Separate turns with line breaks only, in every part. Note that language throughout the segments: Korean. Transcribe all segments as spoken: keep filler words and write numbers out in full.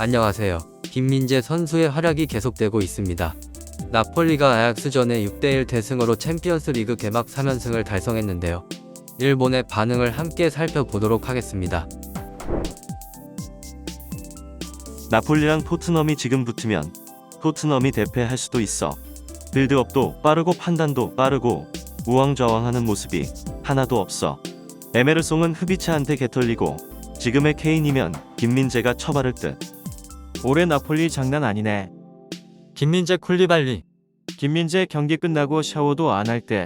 안녕하세요. 김민재 선수의 활약이 계속되고 있습니다. 나폴리가 아약스전의 육 대 일 대승으로 챔피언스리그 개막 삼 연승을 달성했는데요. 일본의 반응을 함께 살펴보도록 하겠습니다.
나폴리랑 토트넘이 지금 붙으면 토트넘이 대패할 수도 있어. 빌드업도 빠르고 판단도 빠르고 우왕좌왕하는 모습이 하나도 없어. 에메르송은 흡이차한테 개털리고 지금의 케인이면 김민재가 처바를 듯.
올해 나폴리 장난 아니네.
김민재 쿨리발리.
김민재 경기 끝나고 샤워도 안 할 때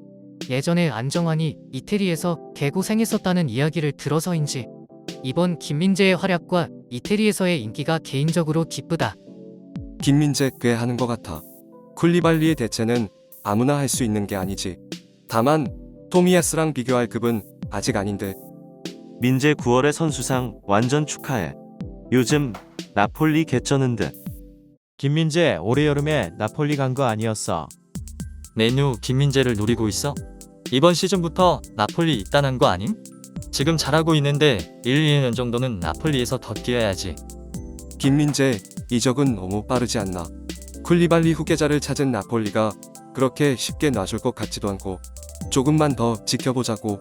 예전에 안정환이 이태리에서 개고생했었다는 이야기를 들어서인지 이번 김민재의 활약과 이태리에서의 인기가 개인적으로 기쁘다.
김민재 꽤 하는 것 같아. 쿨리발리의 대체는 아무나 할 수 있는 게 아니지. 다만 토미야스랑 비교할 급은 아직 아닌데.
민재 구월의 선수상 완전 축하해. 요즘 나폴리 개쩌는 듯.
김민재 올해 여름에 나폴리 간 거 아니었어.
메뉴 김민재를 노리고 있어? 이번 시즌부터 나폴리 입단한 거 아님? 지금 잘하고 있는데 일, 이 년 정도는 나폴리에서 더 뛰어야지.
김민재 이적은 너무 빠르지 않나. 쿨리발리 후계자를 찾은 나폴리가 그렇게 쉽게 놔줄 것 같지도 않고. 조금만 더 지켜보자고.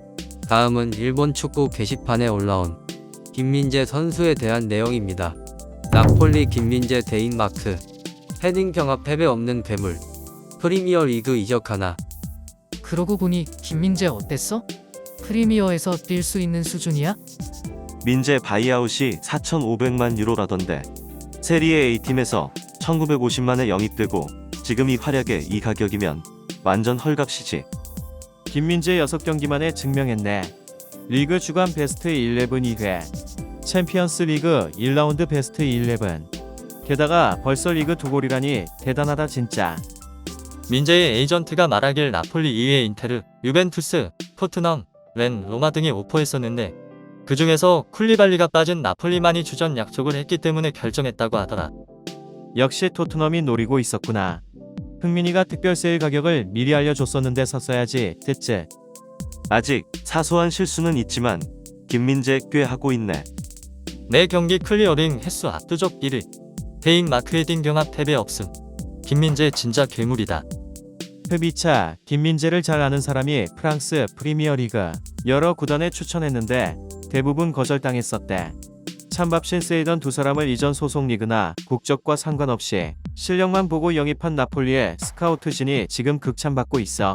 다음은 일본 축구 게시판에 올라온 김민재 선수에 대한 내용입니다. 나폴리 김민재 대인마크. 헤딩 경합 패배 없는 괴물. 프리미어리그 이적하나.
그러고 보니 김민재 어땠어? 프리미어에서 뛸 수 있는 수준이야?
민재 바이아웃이 사천오백만 유로라던데. 세리에 A팀에서 천구백오십만에 영입되고 지금 이 활약에 이 가격이면 완전 헐값이지.
김민재 여섯 경기만에 증명했네. 리그 주간 베스트 십일 이 회, 챔피언스 리그 일 라운드 베스트 십일. 게다가 벌써 리그 두 골이라니 대단하다 진짜.
민재의 에이전트가 말하길 나폴리 이외에 인테르, 유벤투스, 토트넘, 렌, 로마 등이 오퍼했었는데 그 중에서 쿨리발리가 빠진 나폴리만이 주전 약속을 했기 때문에 결정했다고 하더라.
역시 토트넘이 노리고 있었구나. 흥민이가 특별 세일 가격을 미리 알려줬었는데 샀어야지 됐지.
아직 사소한 실수는 있지만 김민재 꽤 하고 있네.
매 경기 클리어링 횟수 압도적 일 위. 대인 마크 헤딩 경합 패배 없음. 김민재 진짜 괴물이다.
흡이차 김민재를 잘 아는 사람이 프랑스 프리미어리그 여러 구단에 추천했는데 대부분 거절당했었대. 찬밥신 세이던 두 사람을 이전 소속 리그나 국적과 상관없이 실력만 보고 영입한 나폴리의 스카우트진이 지금 극찬받고 있어.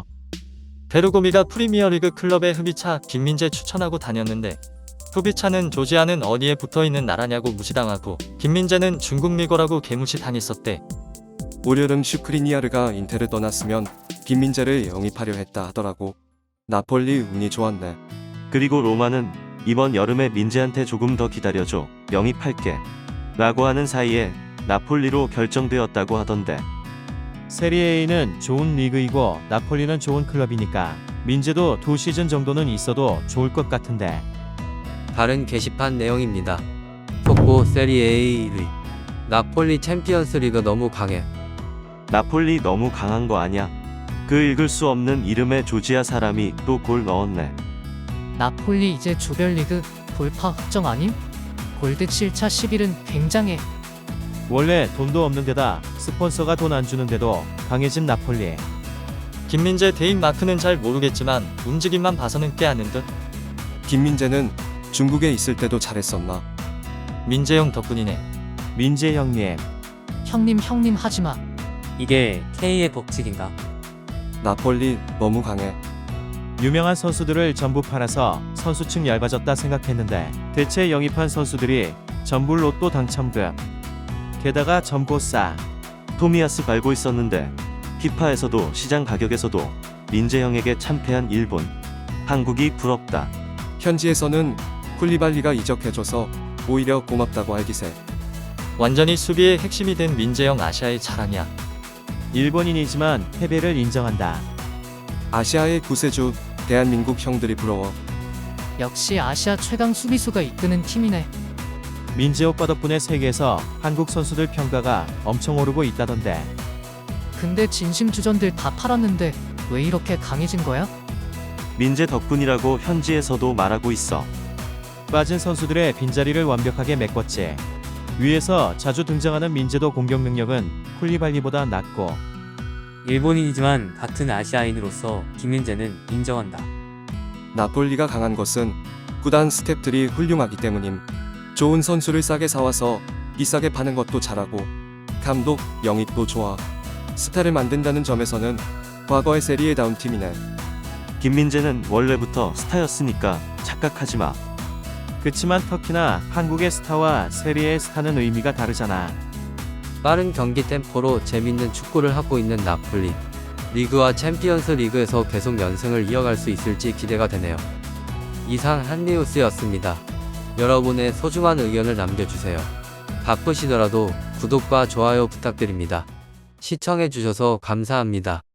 베르고미가 프리미어리그 클럽에 흡이차 김민재 추천하고 다녔는데 흡이차는 조지아는 어디에 붙어있는 나라냐고 무시당하고 김민재는 중국 리거라고 개무시 당했었대.
올여름 슈크리니아르가 인테를 떠났으면 김민재를 영입하려 했다 하더라고. 나폴리 운이 좋았네.
그리고 로마는 이번 여름에 민재한테 조금 더 기다려줘. 영입할게. 라고 하는 사이에 나폴리로 결정되었다고 하던데.
세리에A는 좋은 리그이고 나폴리는 좋은 클럽이니까 민재도 두 시즌 정도는 있어도 좋을 것 같은데.
다른 게시판 내용입니다. 속보 세리에 일 위. 나폴리 챔피언스리그 너무 강해.
나폴리 너무 강한 거 아냐? 그 읽을 수 없는 이름의 조지아 사람이 또 골 넣었네.
나폴리 이제 조별리그 돌파 확정 아님? 골드 칠 차 십일은 굉장해.
원래 돈도 없는 데다 스폰서가 돈 안 주는데도 강해진 나폴리.
김민재 대인 마크는 잘 모르겠지만 움직임만 봐서는 꽤 아는 듯.
김민재는 중국에 있을 때도 잘했었나.
민재 형 덕분이네.
민재 형님.
형님 형님 하지마.
이게 K의 법칙인가?
나폴리 너무 강해.
유명한 선수들을 전부 팔아서 선수층 얇아졌다 생각했는데 대체 영입한 선수들이 전부 로또 당첨금. 게다가 점고 싸.
토미야스 밟고 있었는데 피파에서도 시장 가격에서도 민재 형에게 참패한 일본. 한국이 부럽다.
현지에서는 쿨리발리가 이적해줘서 오히려 고맙다고 알기세.
완전히 수비의 핵심이 된 민재 형 아시아의 자랑이야.
일본인이지만 패배를 인정한다.
아시아의 구세주 대한민국 형들이 부러워.
역시 아시아 최강 수비수가 이끄는 팀이네.
민재 오빠 덕분에 세계에서 한국 선수들 평가가 엄청 오르고 있다던데.
근데 진심주전들 다 팔았는데 왜 이렇게 강해진 거야?
민재 덕분이라고 현지에서도 말하고 있어.
빠진 선수들의 빈자리를 완벽하게 메꿨지. 위에서 자주 등장하는 민재도 공격 능력은 쿨리발리보다 낮고
일본인이지만 같은 아시아인으로서 김민재는 인정한다.
나폴리가 강한 것은 구단 스태프들이 훌륭하기 때문임. 좋은 선수를 싸게 사와서 비싸게 파는 것도 잘하고 감독 영입도 좋아. 스타를 만든다는 점에서는 과거의 세리에다운 팀이네.
김민재는 원래부터 스타였으니까 착각하지 마.
그치만 터키나 한국의 스타와 세리의 스타는 의미가 다르잖아.
빠른 경기 템포로 재밌는 축구를 하고 있는 나폴리. 리그와 챔피언스 리그에서 계속 연승을 이어갈 수 있을지 기대가 되네요. 이상 한리우스였습니다. 여러분의 소중한 의견을 남겨주세요. 바쁘시더라도 구독과 좋아요 부탁드립니다. 시청해주셔서 감사합니다.